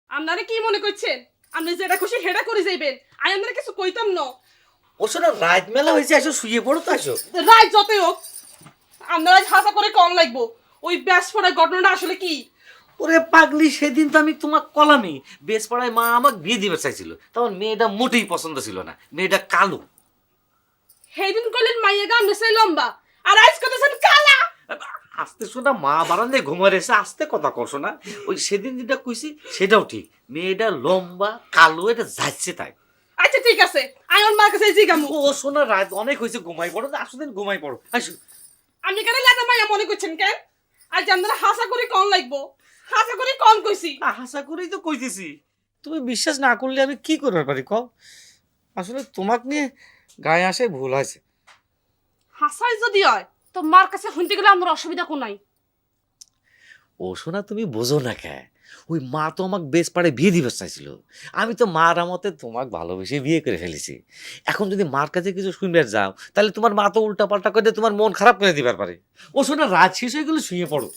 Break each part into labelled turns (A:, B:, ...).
A: আপনারা কি মনে করছেন আপনি যেটা খুশি হেডা করে যাইবেন আমি আপনারা কিছু কইতাম না।
B: ওর সাথে রাত মেলা হয়েছে, আসো শুয়ে পড়ো তো আসো।
A: রায় যতই হোক আপনারা হাসা করে কম লাগবো। ওই ব্যাস পড়ার ঘটনাটা আসলে কি?
B: ওরে পাগলি, সেদিন তো আমি তোমার কলামি বেশ পাড়ায় মা আমাকে বিয়ে দিবে চাইছিল, তখন মেয়েটা মোটেই পছন্দ ছিল না, মেয়েটা কালো।
A: সেইদিন কইলেন মাইয়া গাম নেছে লম্বা, আর আজ কইতেছেন কালা।
B: আস্তে শোনা, মা বারান্দায় ঘুমার এসে আস্তে কথা করছো না। ওই সেদিন যেটা কইছি সেটাও ঠিক, মেয়েটা লম্বা কালো, এটা যাচ্ছে তাই।
A: আচ্ছা ঠিক আছে, আমি আমার মার কাছে জিগামু।
B: ও শোনা, রাত অনেক হয়েছে, ঘুমাই পড়ো, আসো দিন ঘুমাই পড়ো আসো।
A: আপনি কেন লাতা মাইয়া মনে করছেন কেন? আজ আপনারা হাসা করে কম লাগবো, হাসা করে কম কইছি।
B: আশা করেই তো কইতেছি, তুমি বিশ্বাস না করলে আমি কি করতে পারি কও? আসলে তোমাকে নিয়ে গায়ে আসে ভুল হয়েছে।
A: হাসাই যদি হয় তো মার কাছে শুনতে গেলে আমার অসুবিধা কোন নাই।
B: ও শোনা, তুমি বোঝো না কে, ওই মা তো আমাকে বেশ পাড়ে বিয়ে দিবে চাইছিল, আমি তো মার আমতে তোমাকে ভালোবেসে বিয়ে করে ফেলেছি। এখন যদি মার কাছে কিছু শুনবে যাও, তাহলে তোমার মা তো উল্টা পাল্টা করে তোমার মন খারাপ করে দিবার পারে। ও শোনা, রাত শেষ হয়ে গেলে শুয়ে পড়ো।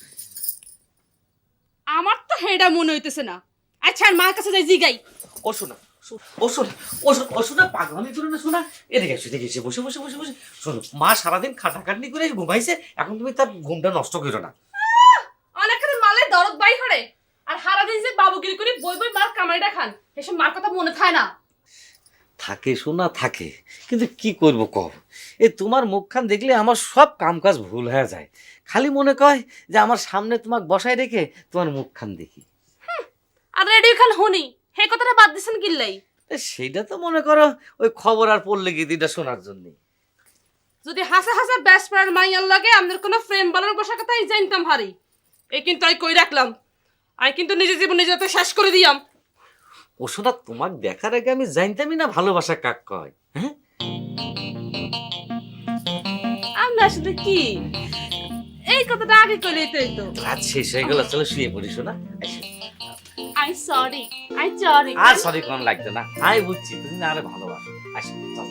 A: আমার তো হেডা মনে হইতেছে না। আচ্ছা আর মার কাছে যাই জিগাই।
B: ও শোনা, ও শোনা, ও শোনা, পাগলামি করো না শোনা। এদিকে এসে দেখে বসে বসে বসে বসে শোনো, মা সারাদিন খাটাখাটনি করে ঘুমাইছে, এখন তুমি তার ঘুমটা নষ্ট করো না।
A: অনেকখানি মালে দরদ বাই করে আর হারাদিন যে বাবুগিরি করে বই বই মার কামাইটা খান, এসব মার কথা মনে থাকে না।
B: থাকে শোনা থাকে, কিন্তু কি করবো কব, এই তোমার মুখখান দেখলে আমার সব কাম কাজ ভুল হয়ে যায়। খালি মনে কয় যে আমার সামনে তোমাকে বসায় রেখে তোমার মুখখান দেখি।
A: আর রেডিও খান শুনি হে কথাটা বাদ দিছেন কিল্লাই?
B: তা সেইটা তো মনে করো ওই খবর আর পড়লে গীতিটা শোনার জন্য।
A: যদি হাসা হাসা ব্যাস পড়ার মাইয়ার লাগে আমাদের কোনো ফ্রেম বানানোর বসার কথা আমি জানতাম হারি। এই কিন্তু আমি কই রাখলাম, আমি কিন্তু নিজের জীবন নিজে তো শেষ করে দিয়াম।
B: ও শোনা, তোমাকে দেখার আগে আমি জানতামই না ভালোবাসা কাক কয়। হ্যাঁ,
A: আমরা আসলে কি এই কথাটা আগে কইলেই তো হইতো।
B: রাত শেষ হয়ে গেল, চলো শুয়ে পড়ি শোনা।
A: I sorry, I sorry.
B: আর সরি কোন লাগবে না, আমি বুঝছি তুমি না আরে ভালোবাসো। আসো চলো।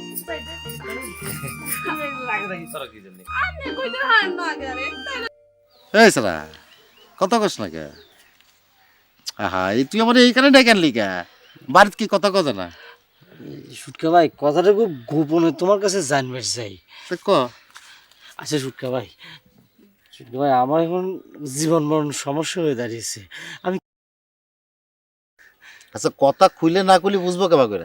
B: রাগারাগি করো কি জন্য?
A: আপনি কইতে হয় না আগে আরে।
C: এই সারা কথা কস না কে? আহা, এই তুই আমার এইখানে ডেকে আনলি কে? বাড়িতে কি কথা কথা না?
D: সুটকা ভাই, কথাটা খুব গোপনে তোমার কাছে জানবে চাই।
C: তা ক।
D: আচ্ছা সুটকা ভাই, সুটকা ভাই, আমার এখন জীবন মরণ সমস্যা হয়ে দাঁড়িয়েছে। আমি
C: আচ্ছা, কথা খুলে না খুলে বুঝবো কেবা করে?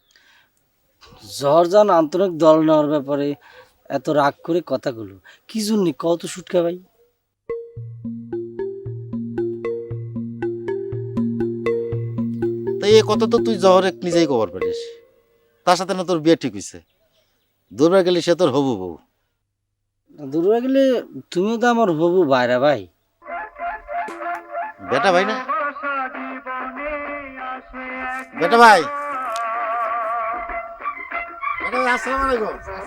D: জর্জান আন্তরিক দল নেওয়ার ব্যাপারে এত রাগ করে কথাগুলো কি জন্য কত সুটকা ভাই?
C: তাই এই কথা তো তুই জহরে নিজেই খবর পারিস, তার সাথে না তোর বিয়ে ঠিক হয়েছে, দূরবার গেলে সে তোর হবু বউ।
D: দূরে গেলে তুমিও তো আমার হবু বাইরা ভাই।
C: বেটা ভাই না? বেটা ভাই, বেটা ভাই, আসসালামু আলাইকুম।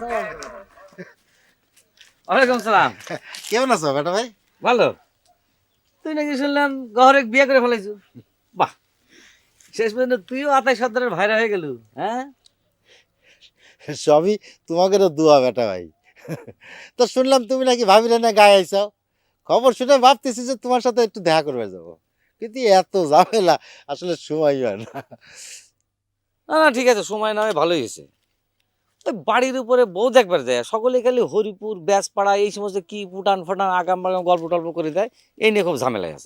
B: ওয়ালাইকুম সালাম।
C: কেমন আছো বেটা ভাই?
B: ভালো। তুই নাকি শুনলাম গহরে বিয়ে করে ফেলাইছো? বাহ, শেষ পর্যন্ত তুইও আতাই সর্দারের ভাইরা হয়ে গেল। হ্যাঁ,
C: সবই তোমাকে তো দোয়া বেটা ভাই। তো শুনলাম তুমি নাকি ভাবিলে না গায়ে আইসাও, খবর শুনে ভাবতেছি যে তোমার সাথে একটু দেখা করবে যাবো, কিন্তু এত ঝামেলা আসলে সময় হয় না।
B: না না ঠিক আছে, সময় না হয় ভালোই হয়েছে। ওই বাড়ির উপরে বউ দেখবার যায়, সকলে খালি হরিপুর ব্যাসপাড়া এই সমস্ত কি ফুটান ফাটান আগাম বাগাম গল্প টল্প করে দেয়, এই নিয়ে খুব ঝামেলায় আছে।